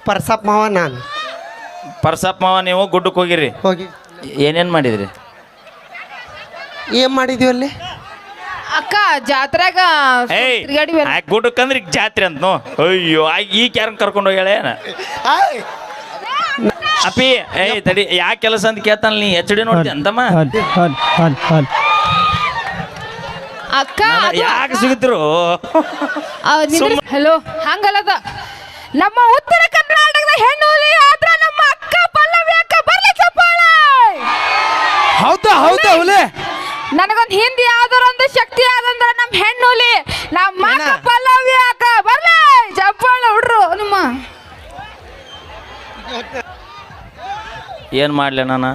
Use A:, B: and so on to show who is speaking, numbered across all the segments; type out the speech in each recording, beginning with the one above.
A: ಪರ್ಸಪ್ಪ ಮಾವ ನಾನು.
B: ಪರ್ಸಪ್ಪ ಮಾವ ನೀವು ಗುಡ್ಡಕ್ಕೆ ಹೋಗಿರಿ,
A: ಹೋಗಿ
B: ಏನೇನು ಮಾಡಿದ್ರಿ?
A: ಏನ್ ಮಾಡಿದ್ವಿ ಅಲ್ಲಿ?
C: ಅಕ್ಕ ಜಾತ್ರೆಗ
B: ಏಯ್ ಗುಡ್ಡಕ್ಕಂದ್ರೆ ಈಗ ಜಾತ್ರೆ ಅಂತ ನೋ. ಅಯ್ಯೋ ಈಗ ಯಾರನ್ನ ಕರ್ಕೊಂಡು ಹೋಗ್ಯಾಳೆ ಅಪ್ಪಿ. ಏಯ್ ತಡಿ, ಯಾ ಕೆಲಸ ಅಂತ ಕೇಳ್ತಾನ ನೀ ಎಚ್ ಡಿ ನೋಡ್ತಿ ಅಂತಮ್ಮ.
C: ಅಕ್ಕ
B: ಯಾಕೆ ಸಿಗುತ್ತಿರು?
C: ಹಲೋ ಹಂಗಲ್ಲದ ನಮ್ಮ ಉತ್ತರ ಕರ್ನಾಟಕದ ಹೆಣ್ಣು ಆದ್ರ ನಮ್ಮ ಅಕ್ಕ ಪಲ್ಲವಿ ಅಕ್ಕ ಬರ್ಲಿ ಚಪ್ಪಾಳೆ.
D: ಹೌದಾ ಹೌದಾ ಹುಲಿ,
C: ನನಗೊಂದು ಹಿಂದಿ ಯಾವ್ದಾರೊಂದು ಶಕ್ತಿ ಆದಂದ್ರ ನಮ್ಮ ಹೆಣ್ಣುಲಿ ನಮ್ಮ ಅಕ್ಕ ಪಲ್ಲವಿ ಅಕ್ಕ ಬರ್ಲಿ ಚಪ್ಪಾಳೆ ಹುಡ್ರು. ನಿಮ್ಮ
B: ಏನು ಮಾಡಲಿ ನಾನು?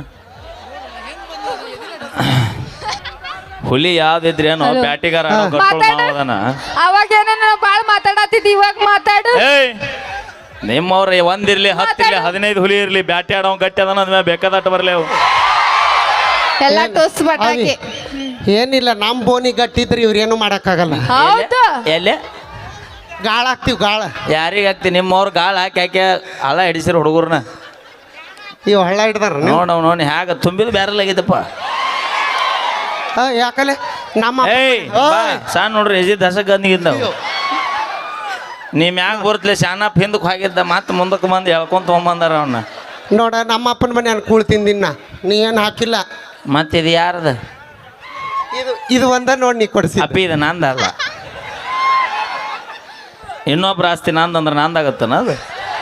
B: ಹುಲಿ ಯಾವ್ದಿದ್ರೇನು ಬ್ಯಾಟಿಗಾರ
C: ಅವಾಗ ಏನೇನ ಬಾಳ್ ಮಾತಾಡತ್ತಿದ್ ಇವಾಗ ಮಾತಾಡು.
B: ಏಯ್ ನಿಮ್ಮವ್ರ ಒಂದಿರ್ಲಿ 10 ಇರ್ಲಿ 15 ಹುಲಿ ಇರ್ಲಿ ಬ್ಯಾಟಿ ಆಡೋ ಗಟ್ಟಿ ಅದನ್ನ ಅದ್ಮೇಲೆ ಬೇಕಾದಟ್ಟು ಬರ್ಲಿ ಅವು
C: ಎಲ್ಲ ಟೋಸ್ ಬಟಾಕಿ.
A: ಏನಿಲ್ಲ, ನಮ್ಮ ಬೋನಿ ಗಟ್ಟಿದ್ರಿ ಇವ್ರೇನು ಮಾಡಕ್ಕಾಗಲ್ಲ.
C: ಹೌದು
B: ಎಲ್ಲೇ
A: ಗಾಳ ಹಾಕ್ತಿವಿ ಗಾಳ.
B: ಯಾರಿಗೆ ಹಾಕ್ತಿ? ನಿಮ್ಮವ್ರು ಗಾಳ ಹಾಕಿ ಹಾಕಿ ಹಳ್ಳ ಹಿಡಿಸಿರಿ ಹುಡುಗರ್ನ.
A: ಇವ್ ಹಳ್ಳ ಹಿಡ್ದಾರ
B: ನೋಡಿ ಹ್ಯಾಗ ತುಂಬಿದ್ ಬ್ಯಾರಲ್ ಆಗಿದ್ದಪ್ಪ.
A: ಯಾಕಲೆ ನಮ್ಮ
B: ಏಯ್ ಸಣ್ಣ ನೋಡ್ರಿ ಎಜಿ ದಸಕ್ ಗಂದಿಗಿದ್ದಾವ. ನೀ ಮ್ಯಾಗ ಬರ್ತಲೆ ಶಾನಪ್ ಹಿಂದಕ್ಕೆ ಹೋಗಿದ್ದ ಮತ್ತೆ ಮುಂದಕ್ಕೆ ಬಂದು ಹೇಳ್ಕೊಂತ ತೊಗೊಂಬಂದಾರ ಅವನ್ನ.
A: ನೋಡ ನಮ್ಮ ಅಪ್ಪನ ಮನೆ ನಾನು ಕೂಳ್ ತಿಂದಿನ್ನ, ನೀ ಏನು ಹಾಕಿಲ್ಲ.
B: ಮತ್ತೆ ಇದು ಯಾರದ?
A: ಇದು ಒಂದ ನೋಡಿ ನೀ ಕೊಡಿಸಿ.
B: ಅಪ್ಪಿ ಇದು ನಂದಲ್ಲ, ಇನ್ನೊಬ್ರ ಆಸ್ತಿ ನಂದಂದ್ರೆ ನಂದಾಗತ್ತನ ಅದು?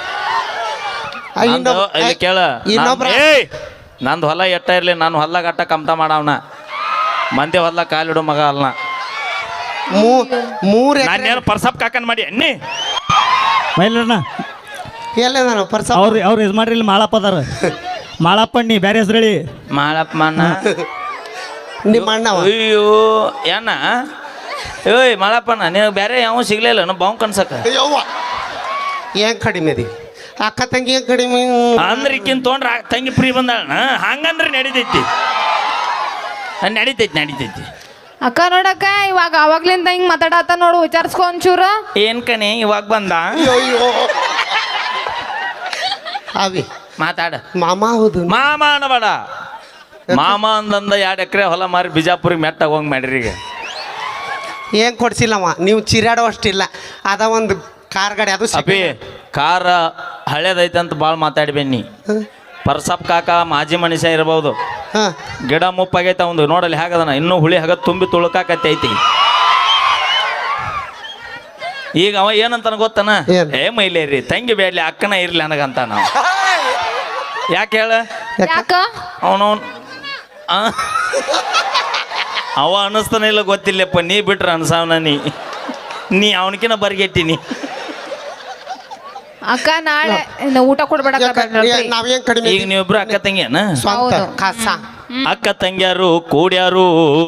B: ಇಲ್ಲಿ ಕೇಳ, ನಂದು ಹೊಲ ಎಟ್ಟ ಇರ್ಲಿ ನಾನು ಹೊಲ ಗಟ್ಟ ಕಮ್ತ ಮಾಡವನ, ಮಂದಿ ಹೊಲ ಕಾಲಿಡು ಮಗ ಅಲ್ಲ. ನಾನೇನು ಪರ್ಸಪ್ ಕಾಕನ್ ಮಾಡಿ ಅನ್ನಿ
D: ಮೈಲಣ್ಣ
A: ಎಲ್ಲ ನಾನು ಪರ್ಸಪ್
D: ಅವ್ರು ಇದು ಮಾಡ್ರಿ. ಇಲ್ಲಿ ಮಾಳಪ್ಪ ಅದಾರ, ಮಾಳಪ್ಪ ನೀ ಬೇರೆ ಹೆಸರು ಹೇಳಿ.
B: ಮಾಳಪ್ಪ ಅಣ್ಣ
A: ನಿಮ್ಮ ಅಣ್ಣ.
B: ಅಯ್ಯೋ ಏನ ಏಯ್ ಮಾಳಪ್ಪಣ್ಣ, ನಿನಗೆ ಬೇರೆ ಯಾವ ಸಿಗ್ಲಿಲ್ಲ ನಾವು ಬಾವು ಕನ್ಸಕ.
A: ಏನ್ ಕಡಿಮೆ ಅದಿ ಅಕ್ಕ ತಂಗಿ? ಏನ್ ಕಡಿಮೆ
B: ಅಂದ್ರೆ ಈಕಿನ್ ತೊಗೊಂಡ್ರ ತಂಗಿ ಫ್ರೀ ಬಂದಾಳ ಹಂಗಂದ್ರೆ ನಡಿತೈತಿ. ನಡಿತೈತಿ
C: ಅಕ್ಕ ನೋಡಕ್ಕ ಇವಾಗ ಅವಾಗ್ಲಿಂದ ಹಿಂಗ್ ಮಾತಾಡತ್ತ ನೋಡು, ವಿಚಾರಿಸ್ಕೊ ಒಂಚೂರು.
B: ಏನ್ ಕಣಿ ಇವಾಗ ಬಂದ?
A: ಅವಿ
B: ಮಾತಾಡ.
A: ಮಾಮ ಹೌದು.
B: ಮಾಮ ಅನ್ನಬೇಡ, ಮಾಮ ಅಂದಂದ 2 ಎಕರೆ ಹೊಲ ಮಾರಿ ಬಿಜಾಪುರಿಗೆ ಮೆಟ್ಟಾಗ ಹೋಗಿ ಮಾಡ್ರಿ. ಈಗ
A: ಏನ್ ಕೊಡ್ಸಿಲ್ಲವ, ನೀವು ಚಿರಾಡೋ ಅಷ್ಟಿಲ್ಲ. ಅದ ಒಂದು ಕಾರ್ ಗಾಡಿ ಅದು
B: ಅಪ್ಪಿ ಕಾರ ಹಳೇದೈತೆ ಅಂತ ಭಾಳ ಮಾತಾಡ್ಬೇನಿ. ಪರ್ಸಪ್ ಕಾಕ ಮಾಜಿ ಮನುಷ್ಯ ಇರ್ಬೋದು, ಗಿಡ ಮುಪ್ಪಾಗೈತೆ ಅವಂದು ನೋಡಲ್ಲಿ ಹಾಗದನ, ಇನ್ನೂ ಹುಳಿ ಹಾಗ ತುಂಬಿ ತುಳುಕಾಕತ್ತೈತಿ. ಈಗ ಅವ ಏನಂತಾನ ಗೊತ್ತನ? ಏ ಮೈಲೇರಿ ತಂಗಿ ಬೇಡ್ಲಿ ಅಕ್ಕನ ಇರ್ಲಿ ನನಗಂತ. ನಾವು ಯಾಕೆ ಹೇಳ? ಅವನವನ್ ಅವ ಅನ್ನಿಸ್ತಾನ ಇಲ್ಲ ಗೊತ್ತಿಲ್ಲಪ್ಪ, ನೀ ಬಿಟ್ರ ಅನ್ಸಾವನ. ನೀ ಅವನಕಿನ ಬರ್ಗೆಟ್ಟಿನಿ.
C: ಅಕ್ಕ ನಾಳೆ ಊಟ ಕೊಡ್ಬೇಡ.
A: ನಾವೇನ್ ಕಡಿಮೆ?
B: ಈಗ ನೀವಿಬ್ರು ಅಕ್ಕ ತಂಗಿಯನ? ಅಕ್ಕ ತಂಗಿಯಾರು ಕೂಡ್ಯಾರು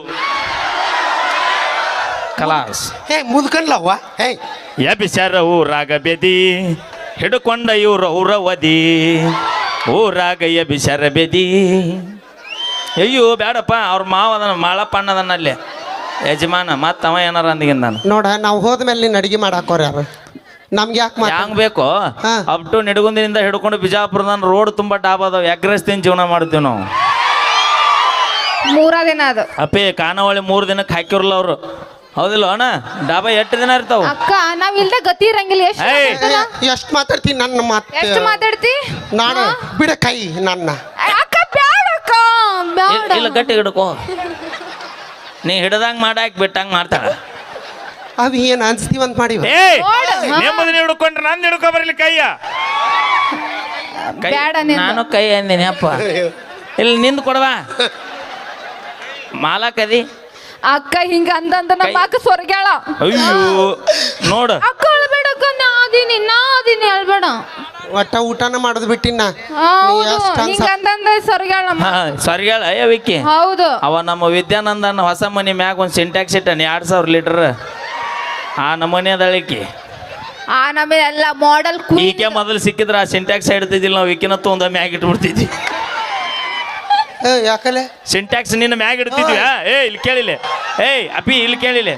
B: ಕಲಾಸ್.
A: ಮುದ್ಕನ್ಲವ್ವ
B: ಎಬಿಸ್ಯಾರ ಊರಾಗ ಬೆದಿ ಹಿಡ್ಕೊಂಡ ಇವ್ರ ಊರವದಿ, ಊರಾಗ ಎಬಿಸ್ಯಾರ ಬೆದಿ. ಅಯ್ಯೋ ಬೇಡಪ್ಪ, ಅವ್ರ ಮಾವ ಅದನ್ನ ಮಾಳಪ್ಪ ಅಣ್ಣದನ್ನ ಅಲ್ಲೇ ಯಜಮಾನ. ಮತ್ತ ಅವ ಏನಾರ ಅಂದಿಗಿಂದ ನಾನು
A: ನೋಡ, ನಾವು ಹೋದ್ಮೇಲೆ ನೀನು ಅಡಿಗೆ ಮಾಡಾಕೋರ ಯಾರು? ನಮ್ಗೆ ಯಾಕೆ
B: ಹ್ಯಾಂಗ ಬೇಕೋ ಅಪ್ ಟು ನಿಡಗುಂದಿನಿಂದ ಹಿಡ್ಕೊಂಡು ಬಿಜಾಪುರದ ರೋಡ್ ತುಂಬಾ ಡಾಬ್ ಅದಾವ. ಎಗ್ರೆಸ್ ತಿನ್ ಜೀವನ ಮಾಡ್ತೀವಿ ನಾವು.
C: 3 ದಿನ ಅದು
B: ಅಪ್ಪೇ ಖಾನಾವಳಿ 3 ದಿನಕ್ಕೆ ಹಾಕಿರಲ್ಲ ಅವರು, ಹೌದಿಲ್ಲ ಅಣ್ಣ? ಡಾಬಾ 8 ದಿನ ಇರ್ತಾವ.
C: ಅಕ್ಕ ನಾವ್ ಇಲ್ದ ಗತಿ ಇರಂಗಿಲ್ಲ.
A: ಎಷ್ಟು ಮಾತಾಡ್ತೀನಿ ನನ್ನ ಮಾತು?
C: ಎಷ್ಟು ಮಾತಾಡ್ತಿ?
A: ನಾನು ಬಿಡ ಕೈ ನನ್ನ.
C: ಅಕ್ಕ ಬ್ಯಾಡಕ್ಕ ಬ್ಯಾಡ.
B: ಇಲ್ಲ ಗಟ್ಟಿ ಹಿಡ್ಕೋ, ನೀ ಹಿಡ್ದಂಗ್ ಮಾಡಾಕ್ ಬಿಟ್ಟಂಗ್ ಮಾಡ್ತಾಳ.
A: ಅವಿ ಏನ್ ಅನ್ಸ್ತೀವಂತ ಮಾಡಿ
B: ನೆಮ್ಮದಿ ಹಿಡ್ಕೊಂಡ್ರೆ ನಾನು ಹಿಡ್ಕೊ ಬರ್ಲಿ ಕೈಯ. ನಾನು ಕೈ ಅಂದಿನಿ ಅಪ್ಪ. ಇಲ್ಲಿ ನಿಂದು ಕೊಡವಾ ಮಾಲಕದಿ.
C: ಅಕ್ಕ ಹಿಂಗ ಅಂದಂದ ನಮ್ಮ ಅಕ್ಕ ಸ್ವರ್ಗ್ಯಾಳ.
B: ಅಯ್ಯೋ ನೋಡ
C: ಅಕ್ಕ ಅಳ್ಬೇಡಕ್ಕ, ನಾದಿನಿ ಅಳ್ಬೇಡ.
A: ಒಟ್ಟ ಊಟನ ಮಾಡೋದು ಬಿಟ್ಟಿನ.
C: ಸ್ವರ್ಗ್ಯಾಳ
B: ಸ್ವರ್ಗ್ಯಾಳ ಅಯ್ಯವಿಕ್ಕಿ.
C: ಹೌದು,
B: ಅವ ನಮ್ಮ ವಿದ್ಯಾನಂದನ ಹೊಸ ಮನೆ ಮ್ಯಾಗ ಒಂದು ಸಿಂಟ್ಯಾಕ್ಸ್ ಇಟ್ಟಾನೆ 2000 ಲೀಟರ್. ಆ ನಮೂನೆ ಅದಳಿಕೆ
C: ಆ ನಮಗೆ ಎಲ್ಲ ಮಾಡೆಲ್.
B: ಈಕೆ ಮೊದಲು ಸಿಕ್ಕಿದ್ರೆ ಆ ಸಿಂಟ್ಯಾಕ್ಸ್ ಇಡ್ತಿದ್ದಿಲ್ಲ ನಾವು, ಈಕಿನ ತೊಂದ ಮ್ಯಾಗ ಇಟ್ಬಿಡ್ತಿದ್ವಿ.
A: ಯಾಕಲೆ
B: ಸಿಂಟ್ಯಾಕ್ಸ್ ನಿನ್ನ ಮ್ಯಾಗ ಇಡ್ತಿದ್ವಿ. ಇಲ್ಲಿ ಕೇಳಿಲ್ಲ. ಅಪ್ಪಿ ಇಲ್ಲಿ ಕೇಳಿಲ್ಲ.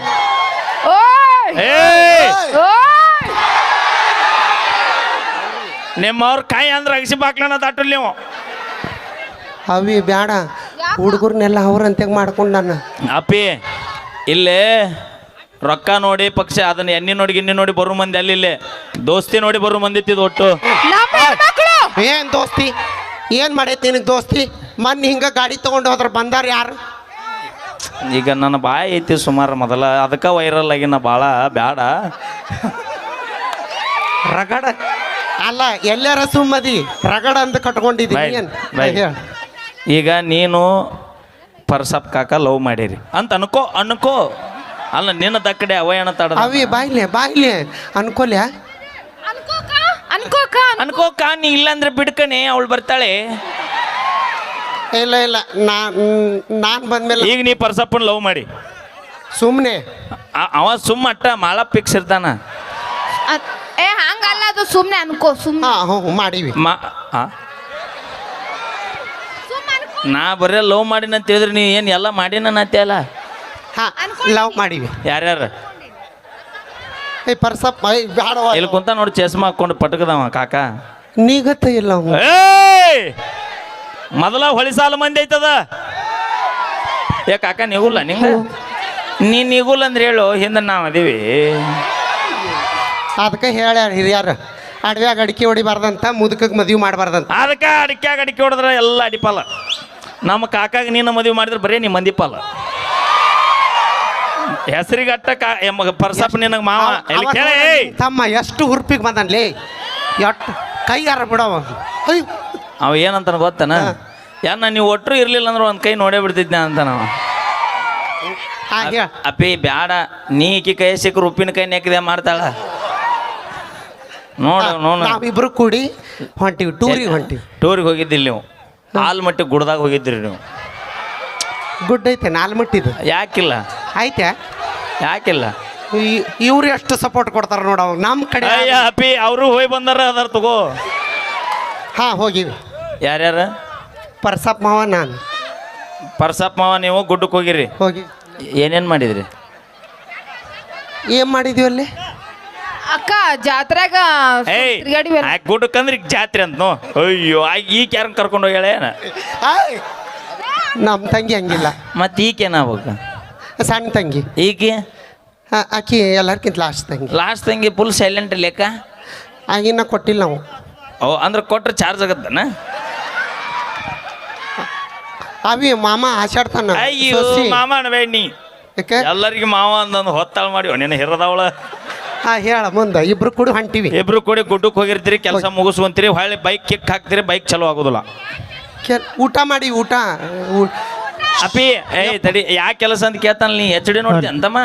B: ನಿಮ್ಮವ್ರ ಕಾಯಿ ಅಂದ್ರೆ ಅಗಸಿ ಬಾಕ್ಲನ ದಾಟಲ್ ನೀವು.
A: ಅವಿ ಬ್ಯಾಡ, ಹುಡುಗರ್ನೆಲ್ಲ ಅವ್ರಂತೆಗೆ ಮಾಡ್ಕೊಂಡು ನಾನು.
B: ಅಪ್ಪಿ ಇಲ್ಲೇ ರೊಕ್ಕ ನೋಡಿ ಪಕ್ಷ ಅದನ್ನ ಎಣ್ಣೆ ನೋಡಿ ಗಿಣ್ಣಿ ನೋಡಿ ಬರೋ ಮಂದಿ ಅಲ್ಲಿ ಇಲ್ಲೇ ದೋಸ್ತಿ ನೋಡಿ ಬರೋ ಮಂದಿ ಇತ್ತಿದ್ ಒಟ್ಟು.
C: ನಮ್ಮ ಹೆಣ್ಮಕ್ಳು
A: ಏನ್ ದೋಸ್ತಿ, ಏನ್ ಮಾಡೈತಿ ನಿನಗೆ ದೋಸ್ತಿ? ಮೊನ್ನೆ ಹಿಂಗ ಗಾಡಿ ತಗೊಂಡು ಹೋದ್ರ ಬಂದಾರ ಯಾರು?
B: ಈಗ ನನ್ನ ಬಾಯಿ ಐತಿ ಸುಮಾರು ಮೊದಲ, ಅದಕ್ಕೆ ವೈರಲ್ ಆಗಿ ನಾ ಭಾಳ ಬ್ಯಾಡ.
A: ರಗಡ ಅಲ್ಲ, ಎಲ್ಲಾರ ಸುಮ್ಮದಿ ರಗಡ ಅಂತ ಕಟ್ಕೊಂಡಿದ್ದೀನಿ. ಏನ್ ಹೇಳ?
B: ಈಗ ನೀನು ಪರ್ಸಪ್ ಕಾಕ ಲವ್ ಮಾಡಿರಿ ಅಂತ ಅನ್ಕೋ ಅಲ್ಲ, ನಿನ್ನ ದಕ್ಕಡೆ ಅವಯಣ ತಡ
A: ಅವಿ ಬಾಯ್ಲೆ ಅನ್ಕೊಲ್ಯಾ?
B: ಅನ್ಕೋಕ ನೀ ಇಲ್ಲಾಂದ್ರೆ ಬಿಡ್ಕಣೆ ಅವಳು ಬರ್ತಾಳೆ.
A: ಇಲ್ಲ ನಾನ್ ಬಂದ್ಮೇಲೆ
B: ಈಗ ನೀ ಪರ್ಸಪ್ಪನ್ ಲವ್ ಮಾಡಿ
A: ಸುಮ್ಮನೆ
B: ಅವ ಸುಮ್ಮ ಅಟ್ಟ ಮಾಳ ಫಿಕ್ಸ್ ಇರ್ತಾನ.
C: ಹಂಗಲ್ಲ, ಅದು ಸುಮ್ನೆ ಅನ್ಕೋ. ಸುಮ್ನೆ
A: ಮಾಡೀವಿ.
B: ನಾ ಬರೀ ಲವ್ ಮಾಡಿನ ಅಂತ ಹೇಳಿದ್ರೆ ನೀ ಏನು ಎಲ್ಲ ಮಾಡಿನ ಅಲ್ಲ.
A: ಲವ್ ಮಾಡೀವಿ.
B: ಯಾರ್ಯಾರು
A: ಪರ್ಸಪ್ಪ ಬ್ಯಾಡವ
B: ಇಲ್ಲಿ ಕುಂತ ನೋಡಿ ಚಸ್ಮಾ ಹಾಕೊಂಡು ಪಟಕದವ ಕಾಕ.
A: ನೀಗತ್ತ ಇಲ್ಲ
B: ಮೊದಲ ಹೊಳಿ ಸಾಲ ಮಂದಿ ಐತದ. ಏ ಕಾಕ ನಿಗುಲ್ಲ ನಿಂಗ, ನೀ ನಿಗುಲ್ಲ ಅಂದ್ರೆ ಹೇಳು, ಹಿಂದೆ ನಾವು ಅದೀವಿ.
A: ಅದಕ್ಕೆ ಹೇಳ್ಯಾರ ಹಿರಿಯಾರ, ಅಡವ್ಯಾಗ ಅಡಿಕೆ ಹೊಡಿಬಾರ್ದಂತ, ಮುದುಕಕ್ಕೆ ಮದುವೆ ಮಾಡಬಾರ್ದಂತ.
B: ಅದಕ್ಕೆ ಅಡಿಕೆ ಹೊಡೆದ್ರೆ ಎಲ್ಲ ಅಡಿಪಾಲ. ನಮ್ಮ ಕಾಕಾಗ ನೀನು ಮದುವೆ ಮಾಡಿದ್ರೆ ಬರೀ ನೀ ಮಂದಿಪಾಲ. ಹೆಸರಿಗಟ್ಟ ಪರ್ಸಪ್ಪ ನಿನಗೆ ಮಾವ ಇಲ್ಲಿ ಕೇಳ.
A: ತಮ್ಮ ಎಷ್ಟು ಹುರ್ಪಿಗೆ ಬಂದನ್ಲೇ, ಎಷ್ಟು ಕೈ ಯಾರ ಬಿಡವ.
B: ಅವ ಏನಂತ ಗೊತ್ತನ, ಯಾನ ನೀವು ಒಟ್ಟರು ಇರ್ಲಿಲ್ಲ ಅಂದ್ರೆ ಒಂದು ಕೈ ನೋಡೇ ಬಿಡ್ತಿದ್ನ ಅಂತ ನಾವು. ಅಪ್ಪಿ ಬ್ಯಾಡ, ನೀ ಈಕಿ ಕೈ ಸಿಕ್ಕರು ಉಪ್ಪಿನ ಕೈ ನೆಕ್ಕಿದೆ ಮಾಡ್ತಾಳ ನೋಡು.
A: ನಾವಿಬ್ರು ಕೂಡಿ ಹೊಂಟಿವಿ,
B: ಟೂರಿಗೆ ಹೋಗಿದ್ದಿಲ್ಲ ನೀವು? ಆಲ್ಮಟ್ಟಿ ಗುಡ್ದಾಗ ಹೋಗಿದ್ರಿ ನೀವು?
A: ಗುಡ್ ಐತೆ ನಾಲ್ಮಟ್ಟಿದು.
B: ಯಾಕಿಲ್ಲ?
A: ಆಯ್ತಾ?
B: ಯಾಕಿಲ್ಲ?
A: ಇವ್ರು ಎಷ್ಟು ಸಪೋರ್ಟ್ ಕೊಡ್ತಾರ ನೋಡ ನಮ್ಮ ಕಡೆ.
B: ಅಪ್ಪಿ ಅವರು ಹೋಗಿ ಬಂದಾರ, ಅದಾರ ತಗೋ.
A: ಹೋಗಿವಿ.
B: ಯಾರ್ಯಾರ?
A: ಪರ್ಸಪ್ಪ ಮಾವ, ನಾನು.
B: ಪರ್ಸಪ್ಪ ಮಾವ ನೀವು ಗುಡ್ಡಕ್ಕೆ ಹೋಗಿರಿ?
A: ಹೋಗಿ.
B: ಏನೇನು ಮಾಡಿದ್ರಿ?
A: ಏನ್ ಮಾಡಿದ್ವಿ ಅಲ್ಲಿ?
C: ಅಕ್ಕ ಜಾತ್ರೆಗ
B: ಗುಡ್ಡಕ್ಕಂದ್ರೆ ಈಗ ಜಾತ್ರೆ ಅಂತ ನೋ. ಅಯ್ಯೋ ಈಗ ಯಾರನ್ನ ಕರ್ಕೊಂಡು ಹೋಗ್ಯಾಳ?
A: ನಮ್ಮ ತಂಗಿ ಹಂಗಿಲ್ಲ.
B: ಮತ್ತೆ ಈಗೇನಾಗ್ಬೇಕು?
A: ಸಣ್ಣ ತಂಗಿ.
B: ಈಕೆ
A: ಆಕಿ ಎಲ್ಲರ್ಕಿಂತ ಲಾಸ್ಟ್ ತಂಗಿ
B: ಫುಲ್ ಸೈಲೆಂಟ್ ಲೆಕ್ಕ.
A: ಆಗಿನ ಕೊಟ್ಟಿಲ್ಲ ನಾವು.
B: ಅಂದ್ರೆ ಕೊಟ್ರೆ ಚಾರ್ಜ್ ಆಗತ್ತನ?
A: ಅವಿ ಮಾಮ ಆಚಾಡ್ತಾನ.
B: ಅಯ್ಯೋ ಮಾಮ ಅನ್ಬೇಡಿ, ಎಲ್ಲರಿಗೂ ಮಾವ ಅಂದಂದು ಹೊತ್ತಾಳ ಮಾಡಿ ನೀನು ಹಿರದವಳ.
A: ಹೇಳ ಮುಂದೆ. ಇಬ್ರು ಕೂಡ ಹೊಂಟಿವಿ.
B: ಇಬ್ರು ಕೂಡಿ ಗುಡ್ಡಕ್ಕೆ ಹೋಗಿರ್ತೀರಿ, ಕೆಲಸ ಮುಗಿಸ್ಕೊಂತೀರಿ, ಹೊಳ್ಳಿ ಬೈಕ್ ಕಿಕ್ ಹಾಕ್ತೀರಿ, ಬೈಕ್ ಚಲೋ ಆಗೋದಿಲ್ಲ.
A: ಊಟ ಮಾಡಿ
B: ಅಪ್ಪಿ ತಡಿ, ಯಾ ಕೆಲಸ ಅಂತ ಕೇಳ್ತಾನ ನೀ HD ನೋಡ್ತಿ ಅಂತಮ್ಮ.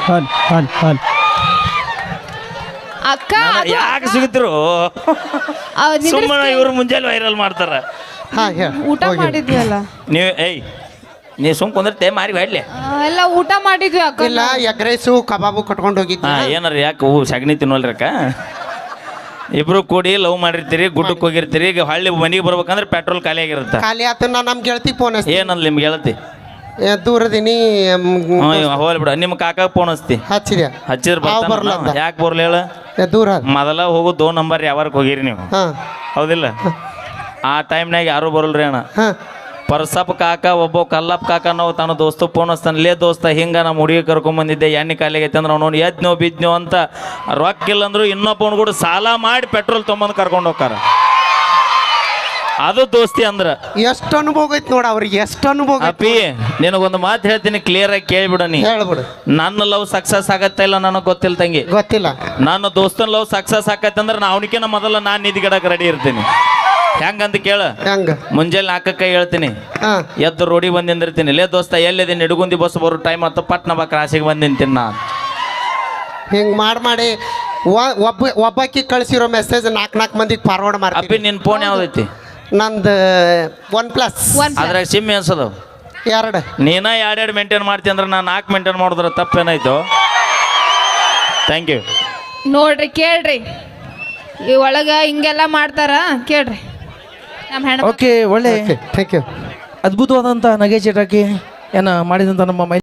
C: ಅಕ್ಕ
B: ಯಾಕೆ ಸಿಗುತ್ತಿರು ಸುಮ್ಮನೆ ಇವ್ರು ಮುಂಜಾನೆ ವೈರಲ್ ಮಾಡ್ತಾರ.
C: ಊಟ ಮಾಡಿದ್ವಿ ಅಲ್ಲ
B: ನೀವು. ನೀ ಸುಮ್ ಕುಂದಿರ್ತೆ ಮಾರಿ ಹೊಡ್ಲಿ.
C: ಎಲ್ಲ ಊಟ ಮಾಡಿದ್ವಿ ಅಕ್ಕ.
A: ಇಲ್ಲ, ಎಗ್ ರೈಸು ಕಬಾಬು ಕಟ್ಕೊಂಡು ಹೋಗಿದ್ವಿ.
B: ಏನಾರ ಯಾಕೆ ಸಗಣಿ ತಿನ್ನೋಲ್ರಕ್ಕ? ಇಬ್ರು ಕೂಡಿ ಲವ್ ಮಾಡಿರ್ತೀರಿ, ಗುಡ್ಡಕ್ಕೆ ಹೋಗಿರ್ತೀರಿ, ಈಗ ಹಳ್ಳಿ ಮನೆಗೆ ಬರ್ಬೇಕಂದ್ರೆ ಪೆಟ್ರೋಲ್ ಖಾಲಿ ಆಗಿರುತ್ತೆ.
A: ಖಾಲಿ ಆತ. ನಮ್ಮ ಗೆಳತಿ ಫೋನ್ ಹಚ್ತಿ.
B: ಏನಲ್ಲ ನಿಮ್ಗೆ ಗೆಳತಿ?
A: ದೂರದಿನಿ.
B: ಹೋಗ್ಲಿ ಬಿಡ, ನಿಮ್ಮ ಕಾಕಾಗ ಫೋನ್ ಹಚ್ತಿ. ಹಚ್ಚಿದ್ರೆ ಬರ್ತಾನ. ಯಾಕೆ ಬರ್ಲಿ ಹೇಳ? ದೂರ ಮೊದಲ ಹೋಗು 2 ನಂಬರ್ ಯಾವಾರಕ್ಕೆ ಹೋಗಿರಿ ನೀವು? ಹೌದಿಲ್ಲ? ಆ ಟೈಮ್ನಾಗ ಯಾರು ಬರಲ್ರಿ ಅಣ್ಣ. ಪರ್ಸಪ್ಪ ಕಾಕ ಒಬ್ಬ ಕಲ್ಲಪ್ಪ ಕಾಕ ನಾವು ತನ್ನ ದೋಸ್ತ ಫೋನ್ ಹಚ್ತಾನೆ, ಲೇ ದೋಸ್ತ ಹಿಂಗ ನಮ್ಮ ಹುಡುಗಿ ಕರ್ಕೊಂಬಂದಿದ್ದೆ, ಎಣ್ಣೆ ಖಾಲಿಗೈತೆ ಅಂದ್ರೆ ಅವ್ನು ಎದ್ನೋ ಬಿದ್ನೋ ಅಂತ ರೊಕ್ಕ ಇಲ್ಲಂದ್ರು ಇನ್ನೊಬ್ಬನ ಕೂಡ ಸಾಲ ಮಾಡಿ ಪೆಟ್ರೋಲ್ ತೊಗೊಂಬಂದು ಕರ್ಕೊಂಡು ಹೋಗ್ತಾರ. ಅದು ದೋಸ್ತಿ ಅಂದ್ರ
A: ಎಷ್ಟು ಅನುಭವ ಐತಿ ನೋಡ ಅವ್ರಿಗೆ, ಎಷ್ಟು ಅನುಭವ.
B: ಅಪ್ಪಿ ನಿನಗೊಂದು ಮಾತು ಹೇಳ್ತೀನಿ, ಕ್ಲಿಯರ್ ಆಗಿ ಕೇಳ್ಬಿಡ. ನೀ
A: ಹೇಳ್ಬಿಡು.
B: ನನ್ನ ಲವ್ ಸಕ್ಸಸ್ ಆಗತ್ತ ಇಲ್ಲ ನನಗೆ ಗೊತ್ತಿಲ್ಲ ತಂಗಿ.
A: ಗೊತ್ತಿಲ್ಲ.
B: ನನ್ನ ದೋಸ್ತನ ಲವ್ ಸಕ್ಸಸ್ ಆಕತ್ತಂದ್ರೆ ನಾ ಅವನಿಕಿನ ಮೊದಲ ನಾನು ನಿಧಿಗಿಡಕ್ಕೆ ರೆಡಿ ಇರ್ತೀನಿ. ಹೆಂಗಂತ ಕೇಳ. ಮುಂಜಾನೆ 4ಕ್ಕೆ ಹೇಳ್ತೀನಿ, ಎದ್ದು ರೋಡಿ ಬಂದು ನಿಂದಿರ್ತೀನಿ. ಲೇ ದೋಸ್ತ ಎಲ್ಲಿದ್ದೀನಿ? ನಿಡುಗುಂದಿ ಬಸ್ ಬರೋ ಟೈಮ್ ಆಯ್ತು, ಪಟ್ನ ಬಾ ಕ್ರಾಸಿಗೆ ಬಂದು ನಿಂತೀನಿ. ನಾನು
A: ಹಿಂಗೆ ಮಾಡಿ ಒಬ್ಬಾಕಿ ಕಳಿಸಿರೋ ಮೆಸೇಜ್ 4 ಮಂದಿಗೆ ಫಾರ್ವರ್ಡ್ ಮಾಡ್ತೀನಿ.
B: ಅಪ್ಪಿ ನಿನ್ನ ಫೋನ್ ಯಾವ್ದೈತಿ?
A: ನಂದು OnePlus.
B: ಅದ್ರಾಗ ಸಿಮ್ ಎನ್ಸದು?
A: 2.
B: ನೀನ 2 ಮೇಂಟೈನ್ ಮಾಡ್ತೀನಿ ಅಂದ್ರೆ ನಾನು 4 ಮೇಂಟೈನ್ ಮಾಡಿದ್ರೆ ತಪ್ಪೇನಾಯ್ತು? Thank you.
C: ನೋಡ್ರಿ ಕೇಳ್ರಿ, ಈ ಒಳಗ ಹಿಂಗೆಲ್ಲ ಮಾಡ್ತಾರ ಕೇಳ್ರಿ ನಮ್ಮ ಹೆಣ್ಣು.
E: ಓಕೆ, ಒಳ್ಳೆ
A: ಥ್ಯಾಂಕ್ ಯು.
E: ಅದ್ಭುತವಾದಂಥ ನಗೆ ಚಟಾಕಿ ಏನ ಮಾಡಿದಂಥ ನಮ್ಮ